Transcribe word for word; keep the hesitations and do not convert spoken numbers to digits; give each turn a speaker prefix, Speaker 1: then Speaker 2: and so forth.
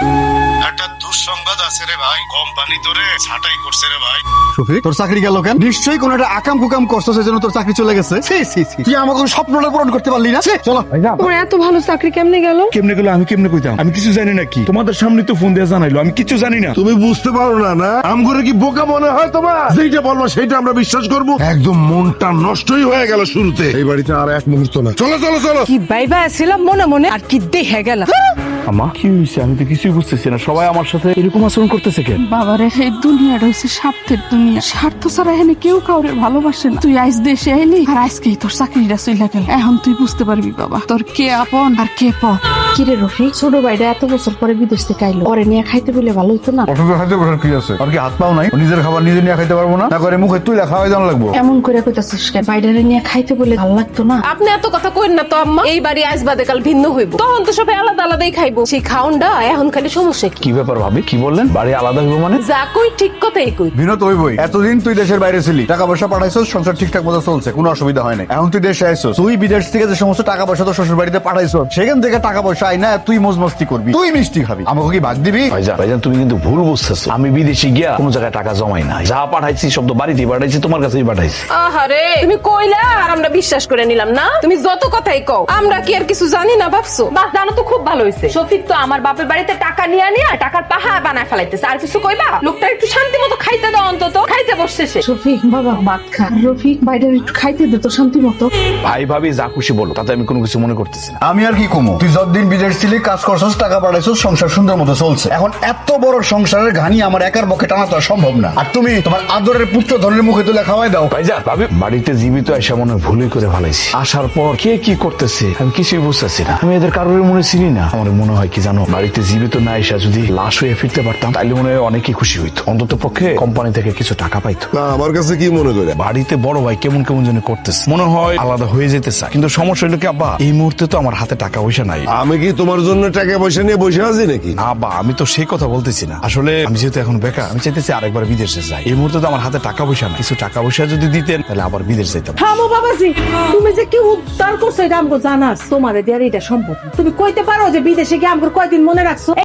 Speaker 1: একটা দুঃসংবাদ আছে রে ভাই, কোম্পানি তোরে ছাঁটাই করছে রে ভাই।
Speaker 2: শফিক, তোর চাকরি গেল কেন? নিশ্চয়ই কোন একটা আকাম কুকাম করছো, সেজন্য তোর চাকরি চলে গেছে। ছি, ছি, ছি। তুই আমাকে স্বপ্নটা পূরণ করতে পারলি না। ছি, চলো।
Speaker 3: তোমার এত ভালো চাকরি কেমনে গেল?
Speaker 4: কেমনে গেল আমি কেমনে কইতাম? আমি কিছু জানি নাকি? তোমাদের সামনে তো ফোন দিয়ে জানাইলো, আমি কিছু জানি না।
Speaker 5: তুমি বুঝতে পারো না না আমগরে কি বোকা মনে হয় তোমার? যেটা বলবো সেটা আমরা বিশ্বাস করব? একদম মনটা নষ্টই হয়ে গেল শুরুতে। এই বাড়িতে আর এক মুহূর্ত না। চলো চলো চলো।
Speaker 3: কি বাইবা ছিলাম মনে মনে, আর কি দেখে গেল।
Speaker 4: আমা কি হইছে? আমি তো কিছুই বুঝতেছি না। সবাই আমার সাথে এরকম আচরণ করতেছে কেন?
Speaker 6: বাবারে, এই দুনিয়াটা হচ্ছে স্বার্থের দুনিয়া। স্বার্থ ছাড়া এখানে কেউ কাউরে ভালোবাসে না। তুই আজ দেশে আইলি, আর আজকেই তোর চাকরিটা চলে গেল। এখন তুই বুঝতে পারবি বাবা, তোর কে আপন আর কে পর।
Speaker 7: কিরে রফিক, ছোট ভাইটা এত বছর পরে বিদেশ থেকে আইলো, ওরে নিয়ে খাইতে বলে ভালো হতো না?
Speaker 2: অসুবিধা খাইতে বসার কি আছে? আর কি হাত পাও নাই? ও নিজের খাবার নিজে নিয়ে খাইতে পারবো না? না করে মুখে তুই খাওয়াই দাম লাগবো?
Speaker 7: এমন করে কইতাছিস কেন? বাইডারে নিয়ে খাইতে বলে ভালো লাগতো না?
Speaker 8: আপনি এত কথা কইন না তো আম্মা। এই বাড়ি আজ বাদে কাল ভিন্ন হইব, তখন তো সবাই আলাদা আলাদাই খাইবো। সেই খাউনটা এখন খালি সমস্যা কি?
Speaker 4: কি ব্যাপার ভাবি? কি বললেন? বাড়ি আলাদা হইব মানে?
Speaker 8: যা কই ঠিক কথাই কই।
Speaker 2: বিনোদ ওই বই, এতদিন তুই দেশের বাইরে ছিলি, টাকা পয়সা পাঠাইছস, সংসার ঠিকঠাক মতো চলছে, কোনো অসুবিধা হয় না। এখন তুই দেশে আইছস, তুই বিদেশ থেকে যে সমস্ত টাকা পয়সা তোর শ্বশুর বাড়িতে পাঠাইছস, সেখান থেকে টাকা পয়সা আই না তুই মজ মস্তি করবি, তুই মিষ্টি খাবি, আমাকে কি ভাগ দিবি?
Speaker 4: ভাইজান ভাইজান তুমি কিন্তু ভুল বুঝতেছো। আমি বিদেশে গিয়া কোনো জায়গায় টাকা জমাই নাই। যা পাঠাইছি সব তো বাড়িতেই পাঠাইছি, তোমার কাছেই পাঠাইছি।
Speaker 8: আহারে, তুমি কইলা আর আমরা বিশ্বাস করে নিলাম না। তুমি যত কথাই কও, আমরা কি আর কিছু জানি না ভাবছো? বাহ, জানো তো খুব ভালো হইছে। শফিক তো আমার বাপের বাড়িতে টাকা নিয়ে নিয়ে টাকার পাহাড় বানায় ফেলাইতেছে। আর কিছু কইবা? লোকটা একটু শান্তি মতো খাইতে দাও, অন্তত খাইতে বসছে সে।
Speaker 7: রফিক বাবা, ভাত খা। রফিক, বাইডারে একটু খাইতে দে তো শান্তি মতো।
Speaker 4: ভাই ভাবি যা খুশি বলো, তাতে আমি কোনো কিছু মনে করতেছি না।
Speaker 2: আমি আর কি কমো? তুই যতদিন বিদেশ ছিলি, কাজ করছস, টাকা পাঠাইছস, সংসার সুন্দর মতো চলছে। এখন এত বড় সংসারের ঘানি আমার একার পক্ষে টানা তো আর সম্ভব না। আর তুমি তোমার আদরের পুত্র ধনের মুখে তুলে খাওয়াই দাও।
Speaker 4: ভাইজান ভাবি, বাড়িতে জীবিত এসে মনে হয় ভুলই করে ফেলাইছি। আসার পর কে কি করতেছে আমি কিছুই বুঝতেছি না। আমি এদের কারোর মনে চিনি না। আমার মনে হয় কি জানো, বাড়িতে জীবিত না এসে যদি লাশ হয়ে ফিরতে পারতাম, তাহলে মনে হয় অনেকেই খুশি হইতো। অন্তত পক্ষে কোম্পানি থেকে কিছু টাকা পাইতো।
Speaker 5: না, আমার কাছে কি মনে করে
Speaker 4: বাড়িতে বড় ভাই কেমন কেমন যেন করতেছে, মনে হয় আলাদা হয়ে যেতে চায়। কিন্তু সমস্যা হলো কি আব্বা, এই মুহূর্তে তো আমার হাতে টাকা পয়সা নাই।
Speaker 5: আমি কি তোমার জন্য টাকা পয়সা নিয়ে বসে আছি নাকি?
Speaker 4: আব্বা, আমি তো সেই কথা বলতেছি না। আসলে আমি যেহেতু এখন বেকার, আমি চাইতেছি আরেকবার বিদেশে যাই। এই মুহূর্তে তো আমার হাতে টাকা পয়সা নাই। কিছু টাকা পয়সা যদি দিতেন, তাহলে আবার বিদেশ যেতাম।
Speaker 3: থামো বাবাজি, তুমি যে কি উদ্ধার করছো এটা আমাকে জানাস। তোমার দিয়ে এটা সম্ভব না। তুমি কইতে পারো যে বিদেশে গিয়ে আমাকে কয়দিন মনে রাখছো?